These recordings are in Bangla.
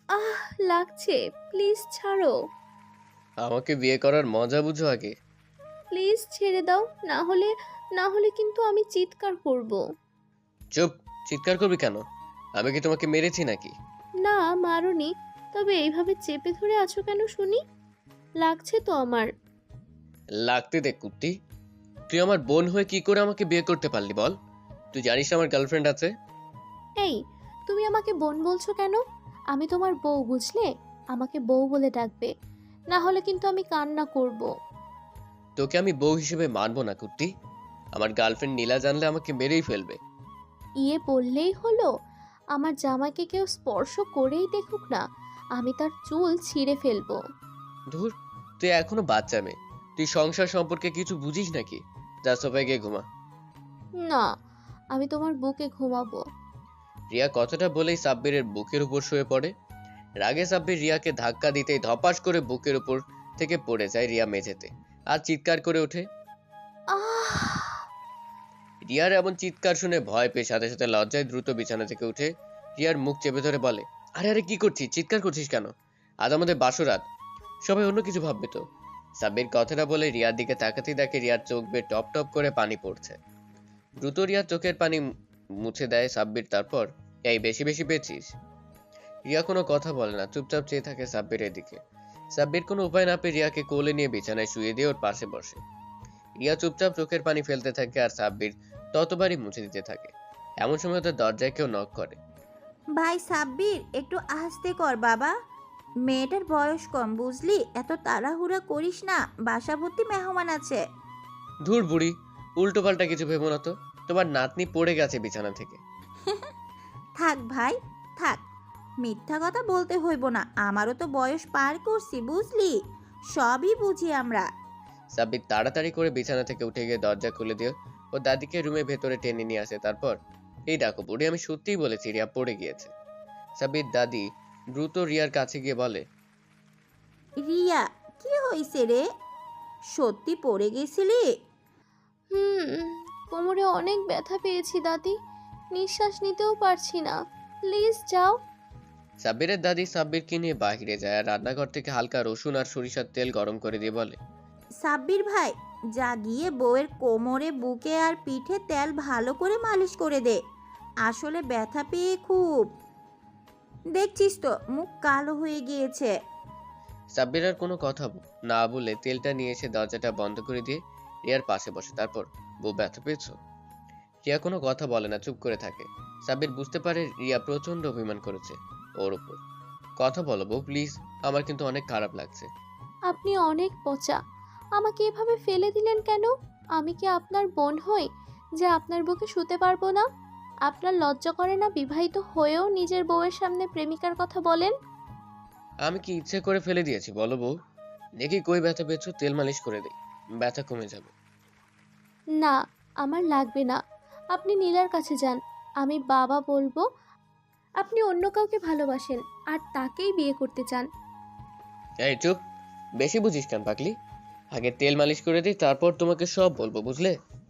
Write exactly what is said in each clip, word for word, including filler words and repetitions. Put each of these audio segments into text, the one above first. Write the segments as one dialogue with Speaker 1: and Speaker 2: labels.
Speaker 1: আহ, লাগছে। প্লিজ ছাড়ো।
Speaker 2: আমাকে বিয়ে করার মজা বুঝো আগে।
Speaker 1: প্লিজ ছেড়ে দাও, না হলে না হলে কিন্তু আমি চিৎকার করব।
Speaker 2: চুপ। চিৎকার করবি কেন? আমি কি তোমাকে মেরেছি নাকি?
Speaker 1: না, মারোনি। তবে এইভাবে চেপে ধরে আছো কেন শুনি? লাগছে তো আমার।
Speaker 2: লাগতে দে কুত্তি। তুই আমার বোন হয়ে কি করে আমাকে বিয়ে করতে পারলি বল? তুই জানিস না আমার গার্লফ্রেন্ড আছে?
Speaker 1: এই, তুমি আমাকে বোন বলছো কেন? আমি তোমার বউ, বুঝলে? আমাকে বউ বলে ডাকবে, না হলে কিন্তু আমি কান্না করব।
Speaker 2: তোকে আমি বউ হিসেবে মানবো না কুত্তি। আমার গার্লফ্রেন্ড নীলা জানলে আমাকে মেরেই ফেলবে।
Speaker 1: ইয়ে বললেই হলো? আমার জামাইকে কেউ স্পর্শ করেই দেখুক না, আমি তার চুল ছিঁড়ে ফেলবো।
Speaker 2: ধুর, তুই এখনো বাচ্চা মেয়ে। তুই সংসার সম্পর্কে কিছু বুঝিস নাকি? যা সোফায় গিয়ে ঘুমা।
Speaker 1: না, আমি তোমার বুকে ঘুমাবো।
Speaker 2: রিয়া কথাটা বলেই সাব্বিরের বুকের উপর শুয়ে পড়ে। রাগে সাব্বির রিয়াকে ধাক্কা দিতেই ধপাস করে বুকের উপর থেকে পড়ে যায় রিয়া মেঝেতে, আর চিৎকার করে ওঠে।
Speaker 1: আহ!
Speaker 2: রিয়ার এমন চিৎকার শুনে ভয় পেয়ে সাথে সাথে লজ্জায় দ্রুত বিছানা থেকে উঠে রিয়ার মুখ চেপে ধরে বলে, আরে আরে কি করছিস? চিৎকার করছিস কেন? আজ আমাদের বাসরাত, সবাই অন্য কিছু ভাববে তো। সাব্বির কথাটা বলে রিয়ার দিকে তাকাতেই দেখে রিয়ার চোখ বেয়ে টপ টপ করে পানি পড়ছে। দ্রুত রিয়ার চোখের পানি মুছে দেয় সাব্বির, তারপর, এই বেশি বেশি পেয়েছিস? রিয়া কোনো কথা বলে না, চুপচাপ চেয়ে থাকে সাব্বিরের দিকে। সাব্বির কোনো উপায় না পেয়ে রিয়াকে কোলে নিয়ে বিছানায় শুয়ে দিয়ে ওর পাশে বসে। রিয়া চুপচাপ চোখের পানি ফেলতে থাকে আর সাব্বির ততবারই মুছে দিতে থাকে। এমন সময় তো দরজায় কেউ নক করে।
Speaker 3: ভাই সাব্বির, একটু আস্তে কর বাবা। মেয়েটার বয়স কম বুঝলি, এত তাড়াহুড়া করিস না, বাসা ভর্তি মেহমান আছে।
Speaker 2: ধুর বুড়ি, উল্টো পাল্টা কিছু ভেবো না তো। তোমার নাতনি পড়ে গেছে বিছানা থেকে।
Speaker 3: থাক ভাই, থাক। মিথ্যা কথা বলতে হইব না, আমারও তো বয়স পার করছি বুঝলি, সবই বুঝি আমরা।
Speaker 2: সাব্বির তাড়াতাড়ি করে বিছানা থেকে উঠে গিয়ে দরজা খুলে দিয়ে ও দাদিকে রুমের ভেতরে টেনে নিয়ে আসে। তারপর, এই ডাকো বুড়ি, আমি সত্যিই বলেছি রিয়া পড়ে গিয়েছে। সাব্বির দাদি দ্রুত রিয়ার কাছে গিয়ে বলে,
Speaker 3: রিয়া, কি হইছে রে? সত্যি পড়ে গেছিলি?
Speaker 1: হুম, কোমরে অনেক ব্যথা পেয়েছি দাদি, নিঃশ্বাস নিতেও পারছি না। প্লিজ যাও।
Speaker 2: সাব্বিরের দাদি সাব্বিরকে নিয়ে বাহিরে যায় আর রান্নাঘর থেকে হালকা রসুন আর সরিষার তেল গরম করে দিয়ে বলে,
Speaker 3: সাব্বির ভাই, যা গিয়ে বউয়ের কোমরে, বুকে আর পিঠে তেল ভালো করে মালিশ করে দে। আসলে ব্যথা পেয়ে খুব, দেখছিস তো মুখ কালো হয়ে গিয়েছে।
Speaker 2: সাব্বির আর কোনো কথা না বলে তেলটা নিয়ে এসে দরজাটা বন্ধ করে দিয়ে রিয়ার পাশে বসে। তারপর, বউ ব্যথা পেয়েছো? রিয়া কোনো কথা বলে না, চুপ করে থাকে। সাব্বির বুঝতে পারে রিয়া প্রচন্ড অভিমান করেছে ওর উপর। কথা বলো বউ প্লিজ, আমার কিন্তু অনেক খারাপ লাগছে।
Speaker 1: আপনি অনেক পচা। আমাকে এভাবে ফেলে দিলেন কেন? আমি কি আপনার বোন হই যে আপনার বুকে শুতে পারবো না? আপনার লজ্জা করে না বিবাহিত হয়েও নিজের বউয়ের সামনে প্রেমিকার কথা বলেন?
Speaker 2: আমি কি ইচ্ছে করে ফেলে দিয়েছি বলো বউ? দেখি কই ব্যথা পেয়েছো, তেল মালিশ করে দেই, ব্যথা কমে যাবে।
Speaker 1: না, আমার লাগবে না। আপনি নীলার কাছে যান, আমি বাবা বলবো আপনি অন্য কাউকে ভালোবাসেন আর তাকেই বিয়ে করতে চান।
Speaker 2: এই চুপ, বেশি বুঝিস কেন পাগলি? আগে তেল মালিশ করে দিই, তারপর তোমাকে সব বলবো, বুঝলে?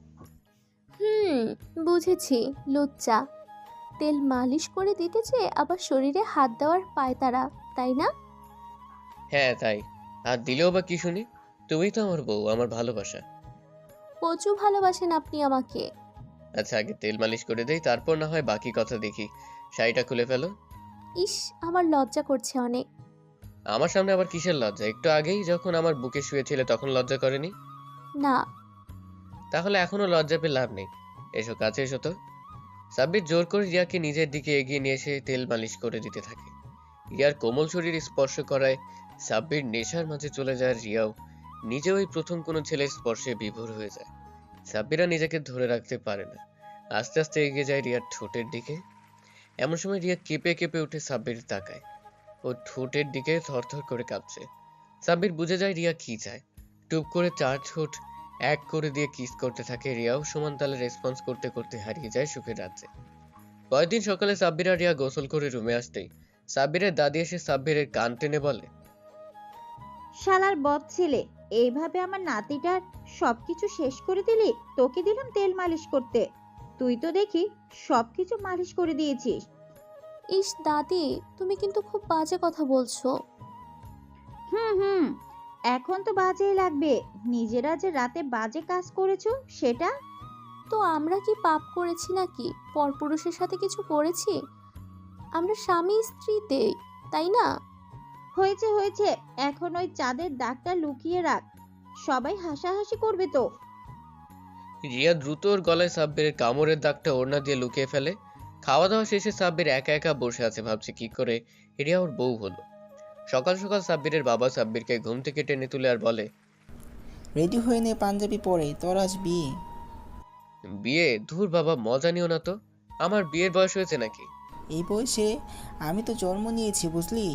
Speaker 1: হুম, বুঝেছি। লুচ্চা। তেল মালিশ করে দিতে চেয়ে আবার শরীরে হাত দেওয়ার পায়তারা, তাই না?
Speaker 2: হ্যাঁ তাই। আর দিলেও বা কি শুনি? তুমি তো আমার বউ, আমার ভালোবাসা।
Speaker 1: প্রচুর ভালোবাসেন আপনি আমাকে।
Speaker 2: আচ্ছা আগে তেল মালিশ করে দেই, তারপর না হয় বাকি কথা দেখি। শাড়িটা খুলে ফেলো।
Speaker 1: ইস, আমার লজ্জা করছে অনেক।
Speaker 2: আমার সামনে আবার কিসের লজ্জা? একটু আগেই যখন আমার বুকে শুয়েছিলে তখন লজ্জা করেনি?
Speaker 1: না।
Speaker 2: তাহলে এখনো লজ্জা পেয়ে লাভ নেই। এসো কাছে এসো তো। সাব্বির জোর করে রিয়াকে নিজের দিকে এগিয়ে নিয়ে এসে তেল মালিশ করে দিতে থাকে। রিয়ার কোমল শরীর স্পর্শ করায় সাব্বির নেশার মাঝে চলে যায়। রিয়াও নিজে ওই প্রথম কোনো ছেলের স্পর্শে বিভোর হয়ে যায়। সাব্বিরা নিজেকে ধরে রাখতে পারে না, আস্তে আস্তে এগিয়ে যায় রিয়ার ঠোঁটের দিকে। এমন সময় রিয়া কেঁপে কেঁপে উঠে সাব্বির তাকায়। ও ঠোঁটের দিকে থরথর করে কাঁপছে। সাব্বির বুঝে যায় রিয়া কি চায়। টুপ করে চার ঠোঁট এক করে দিয়ে কিস করতে থাকে। রিয়াও সমান তালে রেসপন্স করতে করতে হারিয়ে যায় সুখের রাজ্যে। পরের দিন সকালে সাব্বির আর রিয়া গোসল করে রুমে আসতেই সাব্বিরের দাদি এসে সাব্বিরের কান টেনে বলে,
Speaker 3: শালার বদ ছেলে, এইভাবে আমার নাতিটার সবকিছু শেষ করে দিলি। তোকে দিলাম তেল মালিশ করতে, তুই তো দেখি সবকিছু মালিশ করে দিয়েছিস।
Speaker 1: ইস দাদি, তুমি কিন্তু খুব বাজে কথা বলছো।
Speaker 3: হুম হুম এখন তো বাজেই লাগবে। নিজেরা যে রাতে বাজে কাজ করেছো সেটা।
Speaker 1: তো আমরা কি পাপ করেছি নাকি? পরপুরুষের সাথে কিছু করেছি? আমরা স্বামী স্ত্রীতে, তাই না?
Speaker 3: হয়েছে হয়েছে, এখন ওই চাঁদের দাগটা লুকিয়ে রাখ, সবাই হাসাহাসি করবে তো।
Speaker 2: রিয়া দ্রুত ওর গলায় সাব্বিরের কামড়ের দাগটা ওড়না দিয়ে লুকিয়ে ফেলে। খাওয়া দাওয়া শেষে সাব্বির একা একা বসে আছে, ভাবছে কি করে রিয়া ওর বউ হলো। সকাল সকাল সাব্বিরের বাবা সাব্বিরকে ঘুম থেকে টেনে তুলে আর বলে,
Speaker 4: রেডি হয়ে নে, পাঞ্জাবি পরে, তোর আজ বিয়ে।
Speaker 2: বিয়ে? ধুর বাবা, মজা নিও না তো। আমার বিয়ের বয়স হয়েছে নাকি?
Speaker 4: এই বয়সে আমি তো জন্ম নিয়েছি বুঝলি।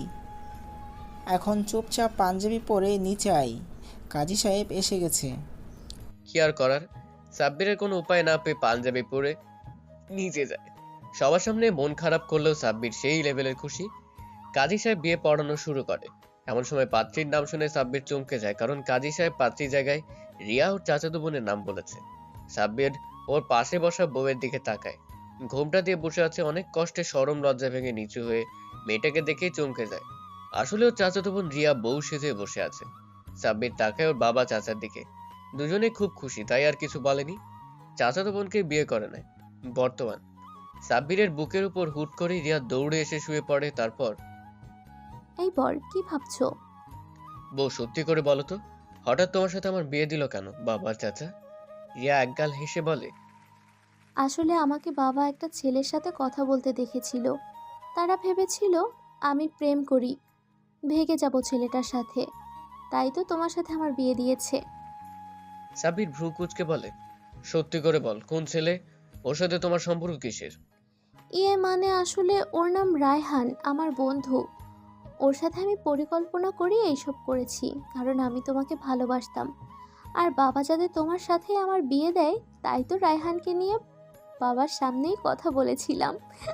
Speaker 4: এখন চুপচাপ পাঞ্জাবি পরে নিচে আয়, কাজী সাহেব এসে গেছে।
Speaker 2: কি আর করার, সাব্বিরের কোনো উপায় না পেয়ে পাঞ্জাবি পরে নিচে যায়। সবার সামনে মন খারাপ করলেও সাব্বির সেই লেভেলের খুশি। কাজী সাহেব বিয়ে পড়ানো শুরু করে। এমন সময় পাত্রীর নাম শুনে সাব্বির চমকে যায়, কারণ কাজী সাহেব পাত্রীর জায়গায় রিয়া ওর চাচাতো বোনের নাম বলেছে। সাব্বির ওর পাশে বসা বউয়ের দিকে তাকায়। ঘোমটা দিয়ে বসে আছে, অনেক কষ্টে শরম লজ্জা ভেঙে নিচু হয়ে মেয়েটাকে দেখেই চমকে যায়। আসলে ওর চাচাতো বোন রিয়া বউ সেজে বসে আছে। সাব্বির তাকায় ওর বাবা চাচার দিকে। দুজনে খুব খুশি, তাই আর কিছু বলেনি। চাচাতো বোনকে বিয়ে করে নেয়। বর্তমান সাব্বিরের বুকের উপর হুট করে রিয়া দৌড়ে এসে শুয়ে পড়ে। তারপর,
Speaker 1: এই বর, কি ভাবছো?
Speaker 2: বউ সত্যি করে বলো তো, হঠাৎ তোমার সাথে আমার বিয়ে দিল কেন বাবার চাচা? রিয়া একগাল হেসে বলে,
Speaker 1: আসলে আমাকে বাবা একটা ছেলের সাথে কথা বলতে দেখেছিল। তারা ভেবেছিল আমি প্রেম করি, ভেগে যাব ছেলেটার সাথে, তাই তো তোমার সাথে আমার বিয়ে দিয়েছে।
Speaker 2: সাব্বির ভ্রু কুঁচকে বলে, সত্যি করে বল, কোন ছেলে? ওর সাথে তোমার সম্পর্ক কিসের?
Speaker 1: ইয়ে মানে আসলে ওর নাম রায়হান, আমার বন্ধু। ওর সাথে আমি পরিকল্পনা করে এইসব করেছি, কারণ আমি তোমাকে ভালোবাসতাম। আর বাবা যাতে তোমার সাথে আমার বিয়ে দেয়, তাই তো রায়হানকে নিয়ে বাবার সামনেই কথা বলেছিলাম।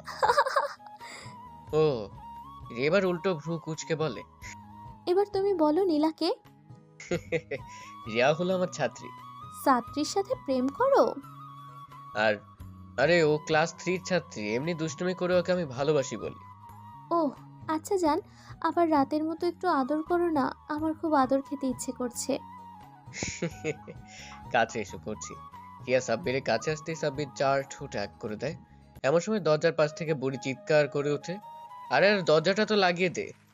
Speaker 2: ও, এবার উল্টো ভ্রু কুঁচকে বলে,
Speaker 1: এবার তুমি বলো নীলাকে।
Speaker 2: রিয়া হলো আমার ছাত্রী।
Speaker 1: ছাত্রীর সাথে প্রেম করো?
Speaker 2: আর আরে ও ক্লাস থ্রির ছাত্রী, এমনি দুষ্টুমি করে ওকে আমি ভালোবাসি বলি।
Speaker 1: ওহ আচ্ছা যান, আবার রাতের মতো একটু আদর করো না, আমার খুব আদর খেতে ইচ্ছে করছে।
Speaker 2: কাছে এসে করছি। রিয়া সাব্বিরের কাছে আসতেই সাব্বির চার ঠোঁট এক করে দেয়। এমন সময় দরজার পাশ থেকে বুড়ি চিৎকার করে ওঠে, আরে আর দরজাটা তো লাগিয়ে দে।